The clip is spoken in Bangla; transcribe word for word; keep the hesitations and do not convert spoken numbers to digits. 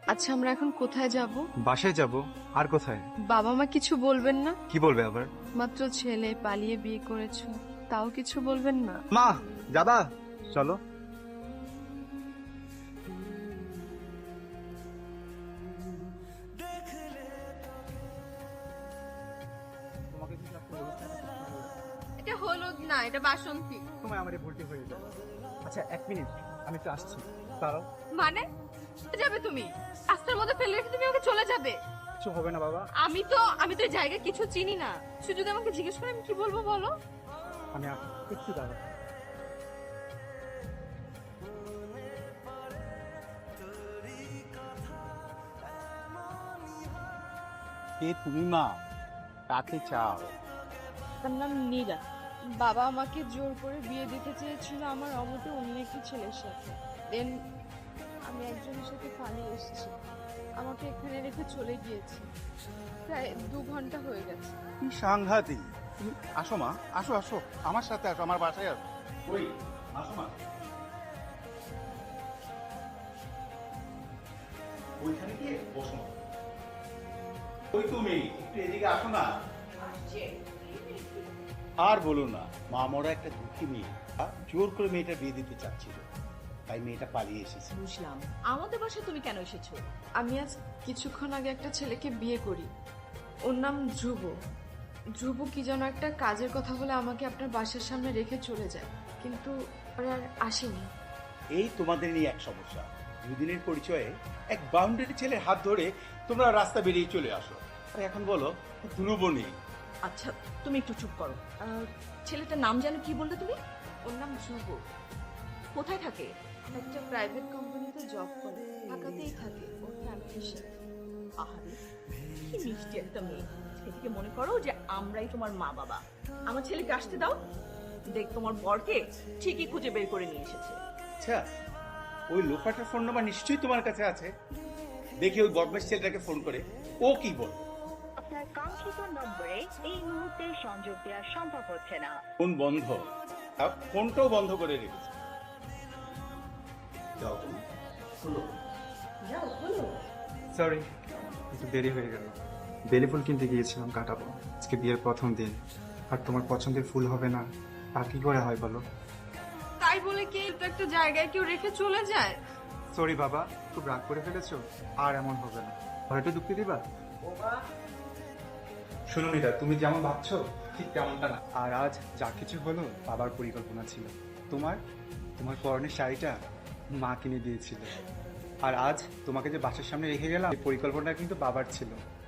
আচ্ছা আমরা এখন কোথায় যাব? বাসায় যাব। আর কোথায়? বাবা মা কিছু বলবেন না? কি বলবে আবার? মাত্র ছেলে, পালিয়ে বিয়ে করেছো, তাও কিছু বলবেন না? মা যাবা? চলো। এটা হলুদ না, এটা বাসন্তী। তোমায় আমারে ভুলটি হয়ে যাবে। আচ্ছা এক মিনিট, আমি তো আসছি। দাঁড়াও। মানে যাবে তুমি? রাস্তার মধ্যে ফেলে রেখে তুমি আমাকে চলে যাবে? কিছু হবে না বাবা। আমি তো আমি তো এই জায়গা কিছু চিনি না। সে যদি আমাকে জিজ্ঞেস করে আমি কি বলবো বলো? আমি আসছি, একটু দাঁড়াও। কে তুমি মা? কাকে চাও? তার নাম নীরা। বাবা আমাকে জোর করে বিয়ে দিতে চেয়েছিল আমার অমতে অন্য একটি ছেলের সাথে। দেন আমি একজনের সাথে পালিয়ে এসেছি। আমাকে এখানে রেখে চলে গিয়েছে। প্রায় দু ঘন্টা হয়ে গেছে। কি সাংঘাতিক! তুমি আসো মা, আসো আসো আমার সাথে আসো, আমার বাসায় আসো। ওই আসো মা, ওইখানে গিয়ে বসো মা। ওই তুমি একটু এদিকে আসো না। আর বলো না, মা মরা একটা দুঃখী মেয়ে, জোর করে মেয়েটা বিয়ে দিতে চাচ্ছিল, তাই মেয়েটা পালিয়ে এসেছে। বুঝলাম। আমাদের বাসায় তুমি কেন এসেছো? আমি আজ কিছুক্ষণ আগে একটা ছেলেকে বিয়ে করি। ওর নাম ধ্রুব। ধ্রুব কি যেন একটা কাজের কথা বলে আমাকে আপনার বাসার সামনে রেখে চলে যায়, কিন্তু ওরা আর আসেনি। এই তোমাদের নিয়ে এক সমস্যা। দুদিনের পরিচয়ে এক বাউন্ডারি ছেলের হাত ধরে তোমরা রাস্তা বেরিয়ে চলে আসো, আর এখন বলো ধ্রুব নেই। আচ্ছা তুমি একটু চুপ করো। আহ, ছেলেটার নাম জানো কি বললে তুমি? ওর নাম ধ্রুব। কোথায় থাকে? একটা প্রাইভেট কোম্পানিতে জব করে, ঢাকাতেই থাকে ওর ফ্যামিলির সাথে। আহারে কি মিষ্টি একটা মেয়ে। সেদিকে মনে করো যে আমরাই তোমার মা বাবা। আমার ছেলেকে আসতে দাও, দেখ তোমার বরকে ঠিকই খুঁজে বের করে নিয়ে এসেছে। আচ্ছা, ওই লোফাটার ফোন নাম্বার নিশ্চয়ই তোমার কাছে আছে। দেখি ওই বদমাস ছেলেটাকে ফোন করে ও কি বল। আপনার কাঙ্ক্ষিত নম্বরে এই মুহূর্তে সংযোগ দেওয়া সম্ভব হচ্ছে না। ফোন বন্ধ, আর ফোনটাও বন্ধ করে রেখেছে। যাও তুমি, খুলো। যাও বলো। সরি, একটু দেরি হয়ে গেল। বেলি ফুল কিনতে গিয়েছিলাম কাটাবো। আজকে বিয়ের প্রথম দিন, আর তোমার পছন্দের ফুল হবে না তা কি করে হয় বলো? তাই বলে কি তো একটা জায়গায় কেউ রেখে চলে যায়? সরি বাবা, খুব রাগ করে ফেলেছো। আর এমন হবে না, ঘরেটা ঢুকতে দিবা? শুনো মিতা, তুমি যেমন ভাবছো ঠিক তেমনটা না। আর আজ যা কিছু হলো বাবার পরিকল্পনা ছিল। তোমার তোমার পরনের শাড়িটা মা কিনে দিয়েছিল, আর আজ তোমাকে যে বাসার সামনে রেখে গেলাম এই পরিকল্পনা কিন্তু বাবার ছিল।